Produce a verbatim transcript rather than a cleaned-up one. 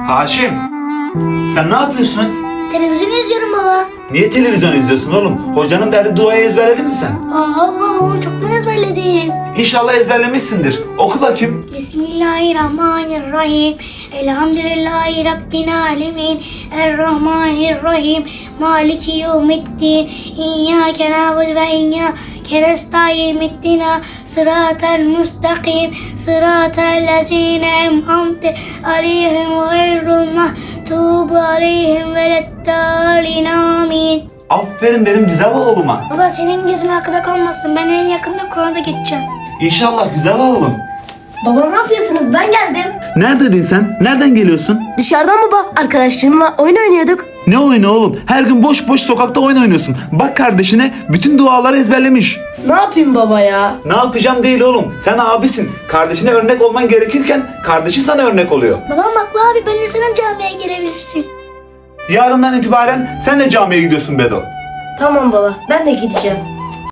Haşim, sen ne yapıyorsun? Televizyon izliyorum baba. Niye televizyon izliyorsun oğlum? Hocanın verdiği duayı ezberledin mi sen? Aa baba onu çoktan ezberledim. İnşallah ezberlemişsindir. Oku bakayım. Bismillahirrahmanirrahim. Elhamdülillahi Rabbil alemin. Errahmanirrahim. Maliki yevmiddin. İyyâke na'budu ve iyyâke nestaîn. İhdina sıratal mustakim. Sıratal lezîne en'amte aleyhim gayril mağdûbi aleyhim veleddâlin. Amin. Aferin benim güzel oğluma. Baba senin gözün arkada kalmasın. Ben en yakında Kur'an'da geçeceğim. İnşallah güzel oğlum. Baba ne yapıyorsunuz? Ben geldim. Neredeydin sen? Nereden geliyorsun? Dışarıdan baba arkadaşlarımla oyun oynuyorduk. Ne oyunu oğlum? Her gün boş boş sokakta oyun oynuyorsun. Bak kardeşine bütün duaları ezberlemiş. Ne yapayım baba ya? Ne yapacağım değil oğlum. Sen abisin. Kardeşine örnek olman gerekirken kardeşi sana örnek oluyor. Babam haklı abi. Ben de senin camiye gelebilirsin. Yarından itibaren sen de camiye gidiyorsun Bedo. Tamam baba ben de gideceğim.